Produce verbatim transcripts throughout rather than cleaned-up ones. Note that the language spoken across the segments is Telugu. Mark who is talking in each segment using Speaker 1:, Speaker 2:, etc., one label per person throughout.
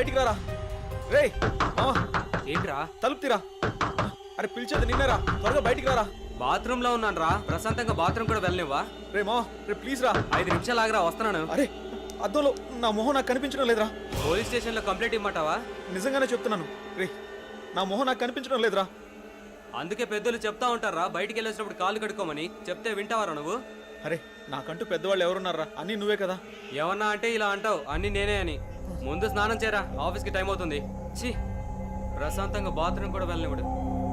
Speaker 1: బయటికి రారా రే మావా
Speaker 2: ఏంట్రా
Speaker 1: తలుపు తీరా అరే పిలిచేది నిన్నేరా త్వరగా బయటికి రారా
Speaker 2: బాత్రూమ్ లో ఉన్నాను రా ప్రశాంతంగా బాత్రూమ్ కూడా వెళ్ళనివ్వా
Speaker 1: రే మావా రే ప్లీజ్ రా
Speaker 2: ఐదు నిమిషాలు ఆగరా వస్తున్నాను
Speaker 1: అరే అద్దంలో నా మొహం నాకు కనిపించడం లేదురా
Speaker 2: పోలీస్ స్టేషన్ లో కంప్లైంట్ ఇమ్మంటావా
Speaker 1: నిజంగానే చెప్తున్నాను రే నా మొహం నాకు కనిపించడం లేదురా
Speaker 2: అందుకే పెద్దలు చెప్తా ఉంటారా బయటికి వెళ్ళేసినప్పుడు కాళ్ళు కడుక్కోమని చెప్తే వింటావారా నువ్వు
Speaker 1: అరే నాకంటూ పెద్దవాళ్ళు ఎవరున్నారా అన్నీ నువ్వే కదా
Speaker 2: ఏమన్నా అంటే ఇలా అంటావు అన్ని నేనే అని ముందు స్నానం చేయరా ఆఫీస్కి టైం అవుతుంది ఛీ ప్రశాంతంగా బాత్రూమ్ కూడా వెళ్ళనివ్వడు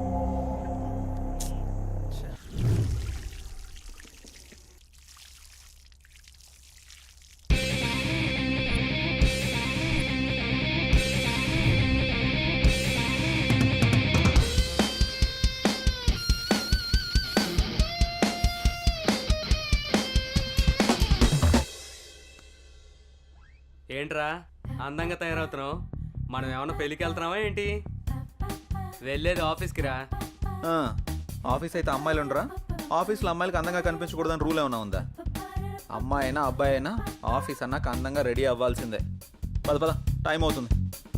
Speaker 2: ఏంట్రా అందంగా తయారవుతున్నావు మనం ఏమన్నా పెళ్ళికి వెళ్తున్నావా ఏంటి వెళ్ళేది ఆఫీస్కి రా
Speaker 1: ఆఫీస్ అయితే అమ్మాయిలు ఉండరా ఆఫీస్లో అమ్మాయిలకి అందంగా కనిపించకూడదని రూల్ ఏమైనా ఉందా అమ్మాయి అయినా అబ్బాయి అయినా ఆఫీస్ అన్నాక అందంగా రెడీ అవ్వాల్సిందే పద పద టైం అవుతుంది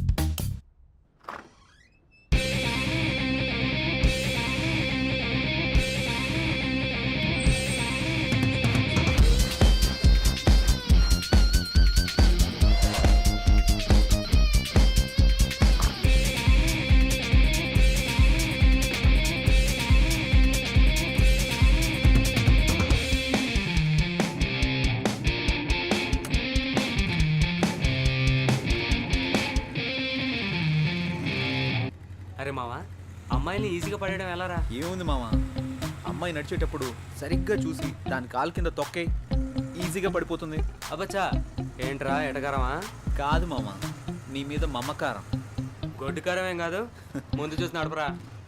Speaker 2: అరే మావా అమ్మాయిని ఈజీగా పడేయడం ఎలా రా
Speaker 1: ఏముంది మామ అమ్మాయి నడిచేటప్పుడు సరిగ్గా చూసి దాని కాలు కింద తొక్కే ఈజీగా పడిపోతుంది
Speaker 2: అబ్బచ్చా ఏంట్రా ఎటకారమా
Speaker 1: కాదు మామ నీ మీద మమకారం
Speaker 2: గొడ్డుకారం ఏం కాదు ముందు చూసి నడపరా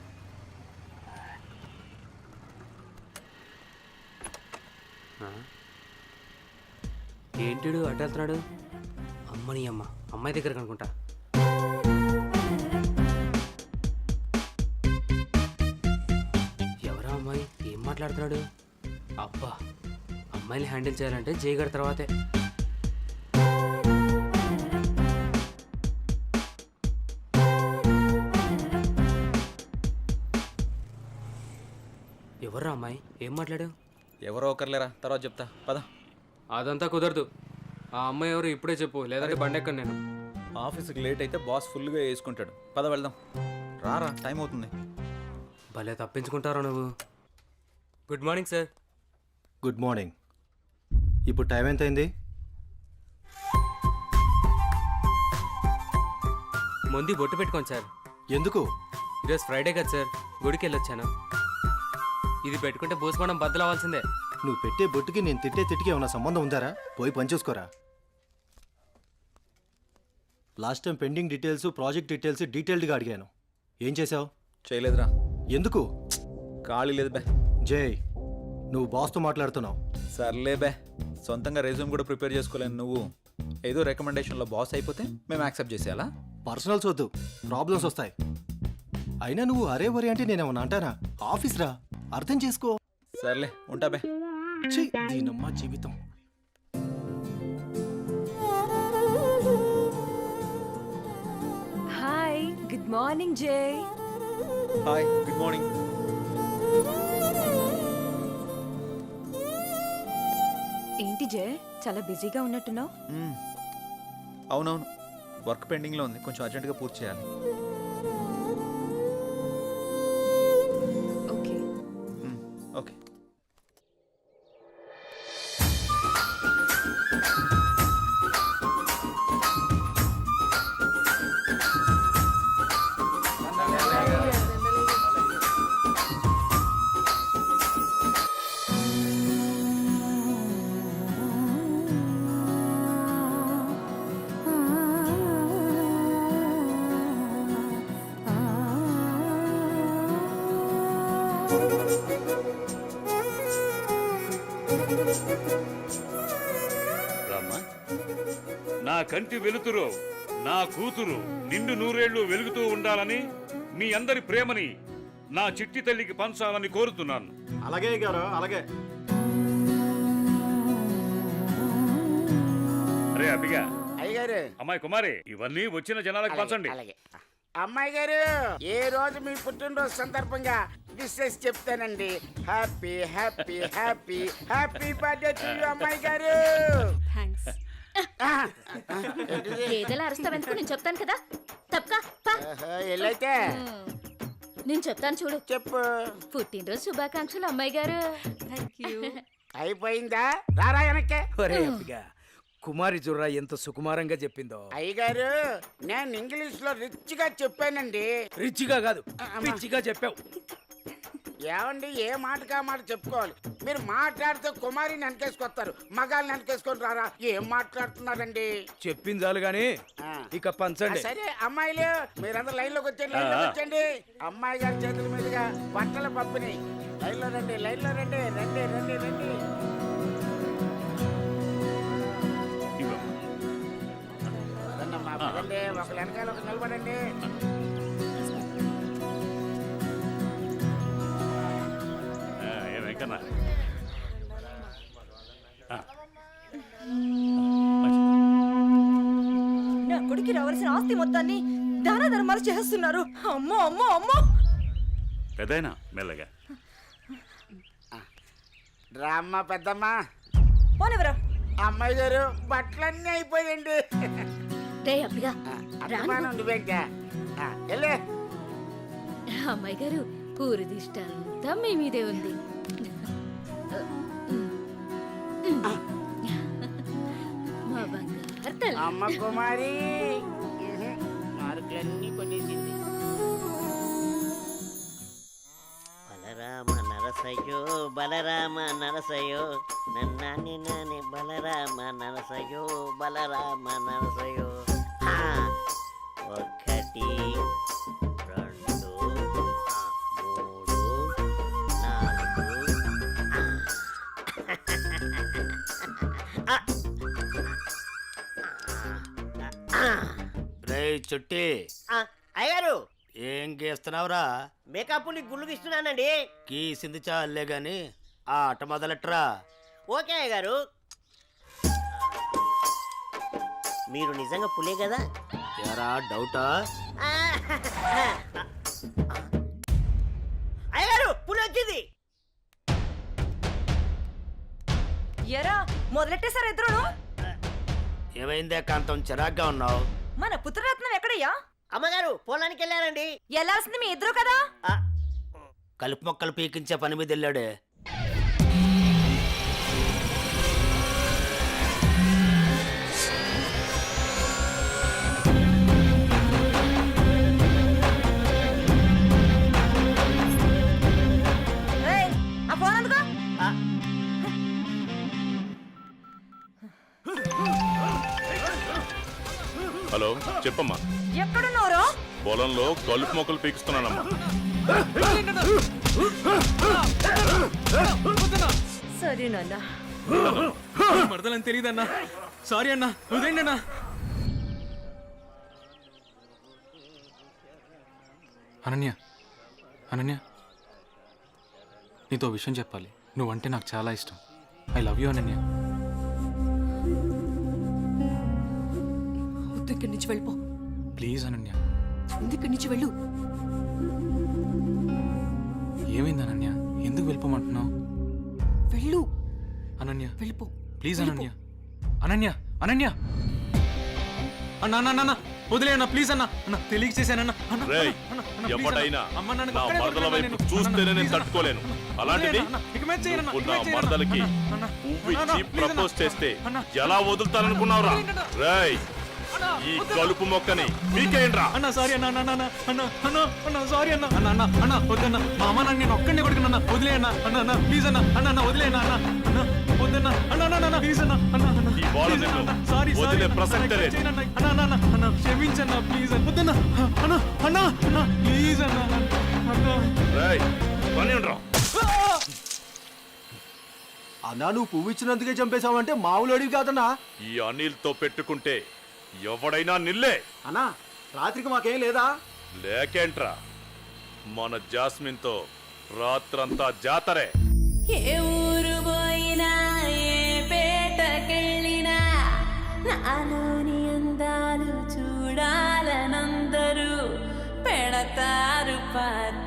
Speaker 2: ఏంటిడు అటు వెళ్తున్నాడు అమ్మని అమ్మ అమ్మాయి దగ్గరకు అనుకుంటా ఎవరా అమ్మాయి ఏం మాట్లాడుతున్నాడు అబ్బా అమ్మాయిని హ్యాండిల్ చేయాలంటే జయగడ తర్వాతే ఎవర్రా అమ్మాయి ఏం మాట్లాడు
Speaker 1: ఎవరో ఒకరులేరా తర్వాత చెప్తా పద
Speaker 2: అదంతా కుదరదు ఆ అమ్మాయి ఎవరు ఇప్పుడే చెప్పు లేదంటే బండెక్కను నేను
Speaker 1: ఆఫీస్కి లేట్ అయితే బాస్ ఫుల్గా వేసుకుంటాడు పద వెళ్దాం రారా టైం అవుతుంది
Speaker 2: భలే తప్పించుకుంటారా నువ్వు good morning sir
Speaker 3: good morning ఇప్పుడు టైం ఎంత అయింది
Speaker 2: ముందు బొట్టు పెట్టుకోండి సార్
Speaker 3: ఎందుకు
Speaker 2: ఈరోజు ఫ్రైడే కదా సార్ గుడికి వెళ్ళొచ్చాను ఇది పెట్టుకుంటే భూస్మానం బద్దలు అవ్వాల్సిందే
Speaker 3: నువ్వు పెట్టే బొట్టుకి నేను తిట్టే తిట్టికి ఏమైనా సంబంధం ఉందారా పోయి పనిచేసుకోరా last time pending details project details డీటెయిల్డ్గా అడిగాను ఏం చేసావు
Speaker 1: చేయలేదురా
Speaker 3: ఎందుకు
Speaker 1: ఖాళీ లేదు బే
Speaker 3: జై నువ్వు బాస్తో మాట్లాడుతున్నావు
Speaker 1: సర్లే బే సొంతంగా రెజ్యూమ్ కూడా ప్రిపేర్ చేసుకోలేను నువ్వు ఏదో రికమెండేషన్లో బాస్ అయిపోతే మేము యాక్సెప్ట్ చేసేయాలా
Speaker 3: పర్సనల్స్ వద్దు ప్రాబ్లమ్స్ వస్తాయి అయినా నువ్వు అరే వరే అంటే నేనేమన్నా అంటానా ఆఫీస్ రా అర్థం చేసుకో
Speaker 1: సర్లే ఉంటా బే
Speaker 3: ఛీ, దీనమ్మా జీవితం
Speaker 4: hi good morning Jai
Speaker 1: hi good morning
Speaker 4: ఏంటి జై చాలా బిజీగా ఉన్నట్టున్నావు
Speaker 1: అవునవును వర్క్ పెండింగ్లో ఉంది కొంచెం అర్జెంటుగా పూర్తి చేయాలి
Speaker 4: ఓకే
Speaker 1: ఓకే
Speaker 5: రామ్మా, నా కంటి వెలుతురు నా కూతురు నిండు నూరేళ్లు వెలుగుతూ ఉండాలని మీ అందరి ప్రేమని నా చిట్టి తల్లికి పంచాలని కోరుతున్నాను.
Speaker 3: అలాగే గారు అలాగే.
Speaker 5: అరే అబ్బిగా
Speaker 6: గారు
Speaker 5: అమ్మాయి కుమారి ఇవన్నీ వచ్చిన జనాలకు పంచండి.
Speaker 6: అలాగే అమ్మాయి గారు ఏ రోజు మీ పుట్టినరోజు సందర్భంగా విషెస్ చెప్తానండి. Happy happy happy happy birthday to you అమ్మాయి గారు.
Speaker 4: థ్యాంక్స్.
Speaker 7: ఏదైనా అరుస్తావెందుకు నేను చెప్తాను కదా. తప్పకా పా.
Speaker 6: ఎల్లైతే
Speaker 7: నేను చెప్తాను చూడు.
Speaker 6: చెప్పు.
Speaker 7: పుట్టినరోజు శుభాకాంక్షలు అమ్మాయి గారు.
Speaker 4: Thank you.
Speaker 6: అయిపోయిందా? రారా వెనక్కే.
Speaker 8: ఒరే అబ్బిగా, కుమారి జుర్రా ఎంత సుకుమారంగా చెప్పిందో.
Speaker 6: అయ్యగారు నేను ఇంగ్లీష్ లో రిచ్ గా చెప్పానండి.
Speaker 8: రిచిగా కాదు, పిచ్చిగా చెప్పావు.
Speaker 6: ఏమండి ఏ మాటకా మాట చెప్పుకోవాలి. మీరు మాట్లాడితే కుమారిని వెనకేసుకొస్తారు, మగాల్ని వెనకేసుకొని రారా. ఏం మాట్లాడుతున్నారండి?
Speaker 8: చెప్పింది చాలు గాని
Speaker 6: ఆ.
Speaker 8: ఇక పంచండి.
Speaker 6: సరే అమ్మాయిలు మీరందరూ లైన్ లోకి వచ్చండి, లైన్ లోకి వచ్చండి. అమ్మాయి గారి చేతుల మీదుగా బట్టల పంపిణీ. లైన్ లో రండి, లైన్ లో రండి, రండి రండి రండి. పదండమ్మా, పదండి. ఒకళ్ళు వెనకాల ఒక నిలబడండి.
Speaker 5: ఆ, ఏ వెంకన్న ఆ,
Speaker 4: నా కొడుకు రావాల్సిన ఆస్తి మొత్తాన్ని దాన ధర్మాలు చేస్తున్నారు. అమ్మో అమ్మో అమ్మో.
Speaker 5: పెద్దయినా మెల్లగా
Speaker 6: రామ్మ పెద్దమ్మా.
Speaker 4: పోనివరా.
Speaker 6: అమ్మాయి గారు బట్టలన్నీ అయిపోయండి.
Speaker 7: రే అబ్బిగా,
Speaker 6: అభిమానం నువ్వేంటా? ఆ, వెళ్ళే.
Speaker 7: అమ్మాయి గారు పూరి దిష్ట అంతా మీ మీదే ఉంది. మా బంగారు తల్లి.
Speaker 6: అమ్మ కుమారి మార్కులన్నీ కొనేసింది.
Speaker 9: బలరామ నరసయ్యో బలరామ నరసయ్యో నన్నాని నాని బలరామ నరసయ్యో బలరామ నరసయ్యో. హా! ఒకటి రెండు ఆ, మూడు నాలుగు ఆ. ఆ.
Speaker 3: రే చుట్టి,
Speaker 9: ఆ, అయ్యగారు
Speaker 3: ఏం గీస్తున్నావురా?
Speaker 9: మేకప్ ని గుళ్ళు గీస్తున్నానండి.
Speaker 3: గీసింది చాలే గాని ఆ ఆట మొదలెట్రా.
Speaker 9: ఓకే అయ్యగారు. మీరు నిజంగా పులే కదా?
Speaker 3: ఎరా డౌటా?
Speaker 9: అయ్యగారు పులి వచ్చింది.
Speaker 4: ఎరా మొదలెట్టేశారు ఇద్దరును.
Speaker 3: ఏమైందే కాంతం, చిరాగ్గా ఉన్నావు?
Speaker 4: మన పుత్రరత్నం ఎక్కడయ్యా?
Speaker 9: అమ్మగారు పొలానికి వెళ్ళారండి.
Speaker 4: వెళ్ళాల్సింది మీ ఇద్దరు కదా.
Speaker 9: ఆ,
Speaker 3: కలుపు మొక్కలు పీకించే పని మీద వెళ్ళాడే.
Speaker 4: ఏయ్, ఆ ఫోన్ అందుకో.
Speaker 9: ఆ.
Speaker 5: హలో చెప్పమ్మా.
Speaker 4: ఎక్కడున్నారో?
Speaker 5: పొలంలో కలుపు మొక్కలు పీకిస్తున్నానమ్మా.
Speaker 4: సరే నాన్న.
Speaker 2: మరదలని తెలియదన్నా. సారీ అన్నా, వదిలేండి అన్నా.
Speaker 10: అనన్య, అనన్య, నీతో విషయం చెప్పాలి. నువ్వంటే నాకు చాలా ఇష్టం. I love you Ananya.
Speaker 4: వద్దు, ఇక్కడి నుంచి వెళ్ళిపో.
Speaker 10: ప్లీజ్ అనన్య.
Speaker 4: ముందు ఇక్కడి నుంచి వెళ్ళు.
Speaker 10: ఏమైంది అనన్య? ఎందుకు వెళ్ళిపోమంటున్నావు?
Speaker 4: వెళ్ళు.
Speaker 10: అనన్య
Speaker 4: వెళ్ళిపో.
Speaker 10: ప్లీజ్ అనన్య. అనన్య, అనన్య. అన్న అన్న అన్న వదిలే అన్న, ప్లీజ్ అన్న. అన్న తెలియక చేశానన్న. అన్న,
Speaker 5: రేయ్,
Speaker 10: అన్న, అన్న, please
Speaker 5: ఎవడైనా
Speaker 10: అన్న. అమ్మ, నన్ను
Speaker 5: నా
Speaker 10: ఒక్కడే
Speaker 5: మరదల
Speaker 10: వదిలేయ్
Speaker 5: వైపు
Speaker 10: నేను.
Speaker 5: చూస్తేనే
Speaker 10: అన్న,
Speaker 5: నేను
Speaker 10: please
Speaker 5: తట్టుకోలేను.
Speaker 10: అన్న.
Speaker 5: అలాంటిది
Speaker 10: అన్న, ఇక మీద చేయను అన్న,
Speaker 5: నువ్వు
Speaker 10: ఇక
Speaker 5: నా
Speaker 10: మీద చేయను అన్న.
Speaker 5: మరదలకి
Speaker 10: అన్న, అన్న,
Speaker 5: పువ్వు
Speaker 10: అన్న,
Speaker 5: ఇచ్చి
Speaker 10: please అన్న.
Speaker 5: ప్రపోజ్ చేస్తే
Speaker 10: అన్న,
Speaker 5: ఎలా వదులుతాననుకున్నావురా? రేయ్, ఈ కలుపు మొక్కని మీకేంట్రా?
Speaker 10: అన్న సారీ అన్న, అన్న, అన్న, అన్న, అన్న, అన్న, సారీ అన్న, అన్న, అన్న, అన్న, వద్దన్న. మా అమ్మ నన్ను నేను ఒక్కడిని కొడుకున్నా. వదిలే అన్న, అన్న, అన్న, ప్లీజ్ అన్న, అన్న, అన్న, వదిలే అన్న, అన్న, అన్న, వద్దన్న, అన్న, అన్న, అన్న, ప్లీజ్ అన్న, అన్న, అన్న,
Speaker 5: ఈ బాల
Speaker 10: please
Speaker 5: నిన్ను
Speaker 10: అన్న, సారీ, సారీ
Speaker 5: వదిలే
Speaker 10: అన్న,
Speaker 5: ప్రసక్తే
Speaker 10: అన్న,
Speaker 5: లేదు.
Speaker 10: చేయనన్న, అన్న, అన్న, అన్న, అన్న, క్షమించన్న, ప్లీజ్ అన్న, వద్దన్న, అన్న, అన్న, అన్న, ప్లీజ్ అన్న, అన్న.
Speaker 5: రేయ్, పని ఉండరా?
Speaker 3: అన్నా, నువ్వు పువ్వు ఇచ్చినందుకే చంపేశావంటే మామూలు అడివి కాదన్నా.
Speaker 5: ఈ అనిల్తో పెట్టుకుంటే ఎవడైనా నిల్లే.
Speaker 3: అన్నా, రాత్రికి మాకేం లేదా?
Speaker 5: లేకేంట్రా, మన జాస్మిన్తో రాత్రంతా జాతరే.
Speaker 7: ఏ ఊరు పోయినా ఏ పేటకెళ్ళినా నాలోని అంద
Speaker 11: అందాలు చూడాలనందరూ పెడతారు పాట